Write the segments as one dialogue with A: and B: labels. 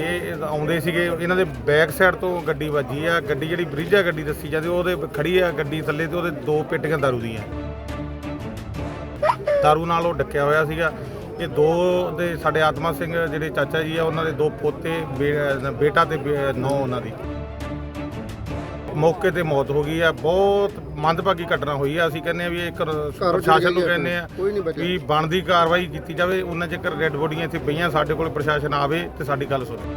A: ਇਹ ਆਉਂਦੇ ਸੀਗੇ, ਇਹਨਾਂ ਦੇ ਬੈਕ ਸਾਈਡ ਤੋਂ ਗੱਡੀ ਵੱਜੀ ਆ। ਗੱਡੀ ਜਿਹੜੀ ਬ੍ਰਿਜਾ ਗੱਡੀ ਦੱਸੀ ਜਾਂਦੀ ਉਹਦੇ ਖੜੀ ਆ ਗੱਡੀ ਥੱਲੇ, ਤੇ ਉਹਦੇ 2 ਪੇਟੀਆਂ ਦਾਰੂ ਦੀਆਂ, ਦਾਰੂ ਨਾਲ ਉਹ ਡੱਕਿਆ ਹੋਇਆ ਸੀਗਾ। ਇਹ 2 ਦੇ ਸਾਡੇ ਆਤਮਾ ਸਿੰਘ ਜਿਹੜੇ ਚਾਚਾ ਜੀ ਆ, ਉਹਨਾਂ ਦੇ 2 ਪੋਤੇ, ਬੇਟਾ ਤੇ ਨੌਂ ਉਹਨਾਂ ਦੀ ਮੌਕੇ ਤੇ ਮੌਤ ਹੋ ਗਈ ਆ। ਬਹੁਤ ਮੰਦਭਾਗੀ ਘਟਨਾ ਹੋਈ ਆ। ਅਸੀਂ ਕਹਿੰਦੇ ਆ ਵੀ ਇੱਕ ਪ੍ਰਸ਼ਾਸਨ ਨੂੰ ਕਹਿੰਦੇ ਆ ਵੀ ਬਣਦੀ ਕਾਰਵਾਈ ਕੀਤੀ ਜਾਵੇ। ਉਹਨਾਂ ਚਿਰ ਰੈੱਡ ਬੋਡੀਆਂ ਇੱਥੇ ਪਈਆਂ, ਸਾਡੇ ਕੋਲ ਪ੍ਰਸ਼ਾਸਨ ਆਵੇ ਤੇ ਸਾਡੀ ਗੱਲ ਸੁਣੇ।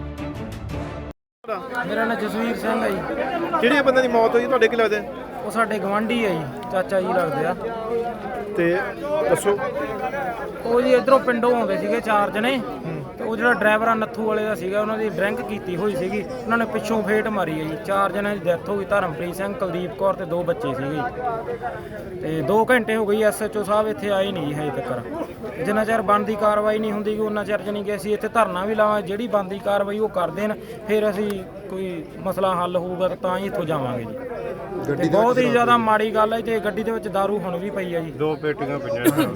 B: ਮੇਰਾ ਨਾਮ ਜਸਵੀਰ ਸਿੰਘ ਹੈ ਜੀ।
C: ਕਿਹੜੇ ਬੰਦੇ ਦੀ ਮੌਤ ਹੋਈ ਤੁਹਾਡੇ ਕੀ ਲੱਗਦੇ?
B: ਉਹ ਸਾਡੇ ਗਵਾਂਢੀ ਹੈ ਜੀ, ਚਾਚਾ ਜੀ ਲੱਗਦੇ ਆ।
C: ਤੇ ਦੱਸੋ।
B: ਉਹ ਜੀ ਇਧਰੋਂ ਪਿੰਡੋਂ ਆਉਂਦੇ ਸੀਗੇ 4 ਜਣੇ, ਤੇ ਉਹ ਜਿਹੜਾ ਡਰਾਈਵਰ ਆ ਨੱਥੂ ਵਾਲੇ ਦਾ ਸੀਗਾ, ਉਹਨਾਂ ਦੀ ਡਰਿੰਕ ਕੀਤੀ ਹੋਈ ਸੀਗੀ। ਉਹਨਾਂ ਨੇ ਪਿੱਛੋਂ ਫੇਟ ਮਾਰੀ ਹੈ ਜੀ। 4 ਜਣਿਆਂ ਦੀ ਡੈਥ ਹੋ ਗਈ, ਧਰਮਪ੍ਰੀਤ ਸਿੰਘ, ਕੁਲਦੀਪ ਕੌਰ ਤੇ 2 ਬੱਚੇ ਸੀਗੇ। ਤੇ 2 ਘੰਟੇ ਹੋ ਗਈ, ਐਸਐਚਓ ਸਾਹਿਬ ਇੱਥੇ ਆਏ ਨਹੀਂ ਜੀ ਹਜੇ ਤੱਕ। ਜਿੰਨਾ ਚਿਰ ਬਣਦੀ ਕਾਰਵਾਈ ਨਹੀਂ ਹੁੰਦੀ ਉਹਨਾਂ ਚਿਰ ਜਾਣੀ ਕਿ ਅਸੀਂ ਇੱਥੇ ਧਰਨਾ ਵੀ ਲਾਵਾਂਗੇ। ਜਿਹੜੀ ਬਣਦੀ ਕਾਰਵਾਈ ਉਹ ਕਰ ਦੇਣ, ਫਿਰ ਅਸੀਂ ਕੋਈ ਮਸਲਾ ਹੱਲ ਹੋਊਗਾ ਤਾਂ ਹੀ ਇੱਥੋਂ ਜਾਵਾਂਗੇ ਜੀ। ਤੇ ਬਹੁਤ ਹੀ ਜ਼ਿਆਦਾ ਮਾੜੀ ਗੱਲ ਹੈ। ਤੇ ਗੱਡੀ ਦੇ ਵਿੱਚ ਦਾਰੂ ਹੁਣ ਵੀ ਪਈ ਹੈ ਜੀ,
A: 2 ਪੇਟੀਆਂ ਪਈਆਂ।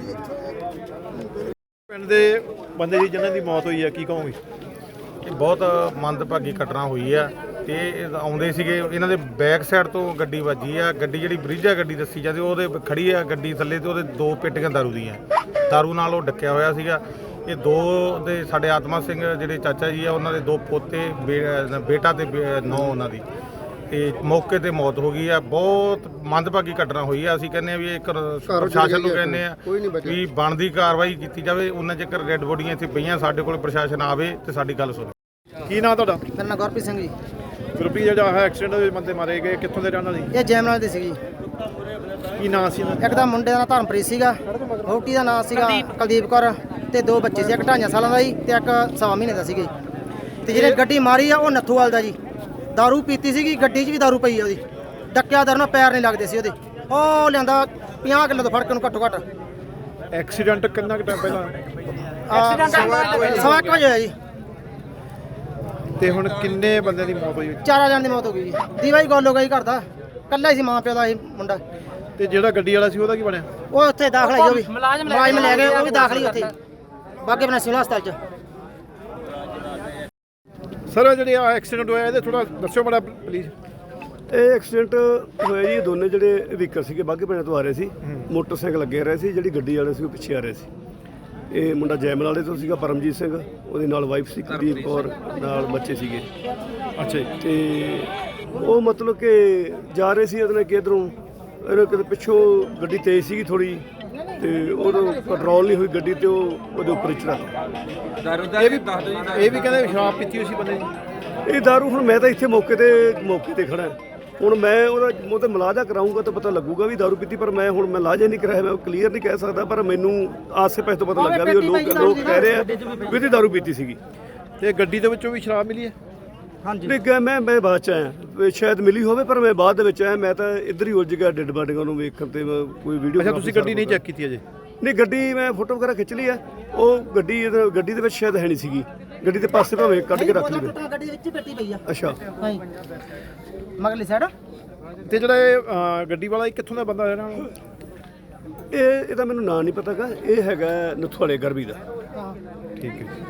C: ਪਿੰਡ ਦੇ ਬੰਦੇ ਦੀ ਜਿਨ੍ਹਾਂ ਦੀ ਮੌਤ ਹੋਈ ਆ, ਕੀ ਕਹੋਗੇ?
A: ਇਹ ਬਹੁਤ ਮੰਦਭਾਗੀ ਘਟਨਾ ਹੋਈ ਆ। ਤੇ ਇਹ ਆਉਂਦੇ ਸੀਗੇ, ਇਹਨਾਂ ਦੇ ਬੈਕ ਸਾਈਡ ਤੋਂ ਗੱਡੀ ਵੱਜੀ ਆ। ਗੱਡੀ ਜਿਹੜੀ ਬ੍ਰਿਜਾ ਗੱਡੀ ਦੱਸੀ ਜਾਂਦੀ ਉਹਦੇ ਖੜੀ ਆ ਗੱਡੀ ਥੱਲੇ, ਤੇ ਉਹਦੇ 2 ਪੇਟੀਆਂ ਦਾਰੂ ਦੀਆਂ, ਦਾਰੂ ਨਾਲ ਉਹ ਡੱਕਿਆ ਹੋਇਆ ਸੀਗਾ। ਇਹ 2 ਦੇ ਸਾਡੇ ਆਤਮਾ ਸਿੰਘ ਜਿਹੜੇ ਚਾਚਾ ਜੀ ਆ, ਉਹਨਾਂ ਦੇ 2 ਪੋਤੇ, ਬੇਟਾ ਤੇ ਨੌਂ ਉਹਨਾਂ ਦੀ ਤੇ ਮੌਕੇ ਤੇ ਮੌਤ ਹੋ ਗਈ ਆ। ਬਹੁਤ ਮੰਦਭਾਗੀ ਘਟਨਾ ਹੋਈ ਆ। ਅਸੀਂ ਕਹਿੰਦੇ ਆ ਵੀ ਇੱਕ ਪ੍ਰਸ਼ਾਸਨ ਨੂੰ ਕਹਿੰਦੇ ਆ ਵੀ ਬਣਦੀ ਕਾਰਵਾਈ ਕੀਤੀ ਜਾਵੇ। ਉਹਨਾਂ ਚਿਰ ਰੈੱਡ ਬੋਡੀਆਂ ਇੱਥੇ ਪਈਆਂ, ਸਾਡੇ ਕੋਲ ਪ੍ਰਸ਼ਾਸਨ ਆਵੇ ਤੇ ਸਾਡੀ ਗੱਲ ਸੁਣੇ।
C: ਕੀ ਨਾਂ ਤੁਹਾਡਾ?
B: ਮੇਰਾ ਨਾਮ ਗੁਰਪ੍ਰੀਤ ਸਿੰਘ ਜੀ।
C: ਗੁਰਪ੍ਰੀਤ, ਜਿਹੜਾ ਐਕਸੀਡੈਂਟ ਦੇ ਬੰਦੇ ਮਾਰੇ ਗਏ, ਕਿੱਥੋਂ ਦੇ ਰਹਿਣ ਵਾਲੇ?
B: ਇਹ ਜੈਮਨਾਲ ਦੇ ਸੀਗੀ।
C: ਕੀ ਨਾਂ ਸੀ ਇਹਨਾਂ ਦਾ?
B: ਇੱਕ ਤਾਂ ਮੁੰਡੇ ਦਾ ਨਾਂ ਧਰਮਪ੍ਰੀਤ ਸੀਗਾ, ਵਹੁਟੀ ਦਾ ਨਾਂ ਸੀਗਾ ਕੁਲਦੀਪ ਕੌਰ, ਤੇ 2 ਬੱਚੇ ਸੀ। ਇੱਕ 2.5 ਸਾਲਾਂ ਦਾ ਜੀ ਤੇ ਇੱਕ 1.25 ਮਹੀਨੇ ਦਾ ਸੀਗਾ ਜੀ। ਤੇ ਜਿਹੜੇ ਗੱਡੀ ਮਾਰੀ ਆ ਉਹ ਨੱਥੂਵਾਲ ਦਾ ਜੀ। ਦਾਰੂ ਪੀਤੀ ਸੀਗੀ, ਗੱਡੀ 'ਚ ਵੀ ਦਾਰੂ ਪਈ ਆ ਉਹਦੀ। ਡੱਕਿਆ ਦਰ ਨਾਲ ਪੈਰ ਨਹੀਂ ਲੱਗਦੇ ਸੀ ਉਹਦੇ। ਉਹ ਲਿਆਂਦਾ 50 ਕਿਲੋ ਤੋਂ ਫੜ ਕੇ ਨੂੰ ਘੱਟੋ ਘੱਟ।
C: ਐਕਸੀਡੈਂਟ ਕਿੰਨਾ ਕੁ ਟਾਈਮ ਪਹਿਲਾਂ?
B: ਸਵਾ 1 ਵਜੇ ਹੋਇਆ ਜੀ।
C: ਤੇ ਹੁਣ ਕਿੰਨੇ ਬੰਦਿਆਂ ਦੀ ਮੌਤ ਹੋਈ?
B: 4 ਜਣ ਦੀ ਮੌਤ ਹੋ ਗਈ ਜੀ। ਦੀਵਾ ਹੀ ਗੋਲ ਹੋ ਗਈ ਘਰ ਦਾ, ਕੱਲਾ ਹੀ ਸੀ, ਮਾਂ ਪਿਓ ਦਾ ਇਹ ਮੁੰਡਾ।
C: ਤੇ ਜਿਹੜਾ ਗੱਡੀ ਵਾਲਾ ਸੀ ਉਹਦਾ ਕੀ ਬਣਿਆ?
B: ਉਹ ਉੱਥੇ ਦਾਖਲ ਹੈ, ਉਹ ਵੀ ਮੁਲਾਜ਼ਮ ਲੈ ਗਏ, ਉਹ ਵੀ ਦਾਖਲ ਹੀ ਉੱਥੇ ਬਾਗੇ ਬਣਾ ਸਿਵਲ ਹਸਪਤਾਲ 'ਚ।
C: ਸਰ, ਜਿਹੜੇ ਆ ਐਕਸੀਡੈਂਟ ਹੋਇਆ ਇਹਦੇ ਥੋੜਾ ਦੱਸਿਓ ਬੜਾ ਪਲੀਜ਼।
D: ਇਹ ਐਕਸੀਡੈਂਟ ਹੋਇਆ ਜੀ, ਦੋਨੇ ਜਿਹੜੇ ਵਹੀਕਲ ਸੀਗੇ ਬਾਘੇ ਪਿੰਡ ਤੋਂ ਆ ਰਹੇ ਸੀ, ਮੋਟਰਸਾਈਕਲ ਲੱਗੇ ਰਹੇ ਸੀ। ਜਿਹੜੀ ਗੱਡੀ ਵਾਲੇ ਸੀ ਉਹ ਪਿੱਛੇ ਆ ਰਹੇ ਸੀ। ਇਹ ਮੁੰਡਾ ਜੈਮਲ ਵਾਲੇ ਤੋਂ ਸੀਗਾ, ਪਰਮਜੀਤ ਸਿੰਘ, ਉਹਦੇ ਨਾਲ ਵਾਈਫ ਸੀ ਕੁਲਦੀਪ ਕੌਰ, ਨਾਲ ਬੱਚੇ ਸੀਗੇ।
C: ਅੱਛਾ ਜੀ।
D: ਤੇ ਉਹ ਮਤਲਬ ਕਿ ਜਾ ਰਹੇ ਸੀ ਉਹਨੇ ਕਿਧਰੋਂ, ਇਹਨੇ ਕਿਤੇ ਪਿੱਛੋਂ ਗੱਡੀ ਤੇਜ਼ ਸੀਗੀ ਥੋੜੀ, ਤੇ ਉਹਨੂੰ ਕੰਟਰੋਲ ਨਹੀਂ ਹੋਈ ਗੱਡੀ, ਤੇ ਉਹ ਉਹਦੇ ਉੱਪਰ ਚੜਾ।
C: ਇਹ ਵੀ ਕਹਿੰਦੇ ਸ਼ਰਾਬ ਪੀਤੀ ਹੋਈ ਸੀ ਬੰਦੇ ਦੀ।
D: ਇਹ ਦਾਰੂ, ਹੁਣ ਮੈਂ ਤਾਂ ਇੱਥੇ ਮੌਕੇ ਤੇ ਖੜਾ। ਹੁਣ ਮੈਂ ਉਹਦਾ ਤੇ ਮਲਾਜਾ ਕਰਾਊਂਗਾ ਤਾਂ ਪਤਾ ਲੱਗੂਗਾ ਵੀ ਦਾਰੂ ਪੀਤੀ, ਪਰ ਮੈਂ ਹੁਣ ਮੈਂ ਲਾਜਾ ਨਹੀਂ ਕਰਾਇਆ, ਮੈਂ ਕਲੀਅਰ ਨਹੀਂ ਕਹਿ ਸਕਦਾ। ਪਰ ਮੈਨੂੰ ਆਸੇ ਪਾਸੇ ਤੋਂ ਪਤਾ ਲੱਗਾ ਵੀ ਉਹ ਲੋਕ ਕਹਿ ਰਹੇ ਆ ਵੀ ਇਹਦੀ ਦਾਰੂ ਪੀਤੀ ਸੀਗੀ।
C: ਤੇ ਗੱਡੀ ਦੇ ਵਿੱਚੋਂ ਵੀ ਸ਼ਰਾਬ ਮਿਲੀ ਹੈ?
D: ਹਾਂਜੀ। ਮੈਂ ਬਾਅਦ ਚ ਆਇਆ, ਸ਼ਾਇਦ ਮਿਲੀ ਹੋਵੇ, ਪਰ ਮੈਂ ਬਾਅਦ ਦੇ ਵਿੱਚ ਆਇਆ। ਮੈਂ ਤਾਂ ਇੱਧਰ ਹੀ ਉਲਝ ਗਿਆ ਡੈਡ ਬਾਡੀਆਂ ਨੂੰ ਵੇਖਣ ਤੇ ਕੋਈ ਵੀਡੀਓ।
C: ਅੱਛਾ, ਤੁਸੀਂ ਗੱਡੀ ਨਹੀਂ ਚੈੱਕ ਕੀਤੀ ਅਜੇ?
D: ਨਹੀਂ, ਗੱਡੀ ਮੈਂ ਫੋਟੋ ਵਗੈਰਾ ਖਿੱਚ ਲਈ ਆ। ਉਹ ਗੱਡੀ ਦੇ ਵਿੱਚ ਸ਼ਾਇਦ ਹੈ ਨਹੀਂ ਸੀਗੀ। ਗੱਡੀ ਦੇ ਪਾਸੇ ਭਾਵੇਂ ਕੱਢ ਕੇ ਰੱਖ ਲਈ।
B: ਗੱਡੀ ਦੇ ਵਿੱਚ ਹੀ ਪੇਟੀ ਪਈ ਆ।
D: ਅੱਛਾ,
B: ਹਾਂਜੀ, ਮਗਲੀ ਸਾਈਡ।
C: ਤੇ ਜਿਹੜਾ ਇਹ ਗੱਡੀ ਵਾਲਾ ਇਹ ਕਿੱਥੋਂ ਦਾ ਬੰਦਾ ਰਹਿਣਾ?
D: ਇਹਦਾ ਮੈਨੂੰ ਨਾਂ ਨਹੀਂ ਪਤਾਗਾ। ਇਹ ਹੈਗਾ ਨੱਥੂ ਵਾਲੇ ਗਰਬੀ ਦਾ।
C: ਠੀਕ ਹੈ।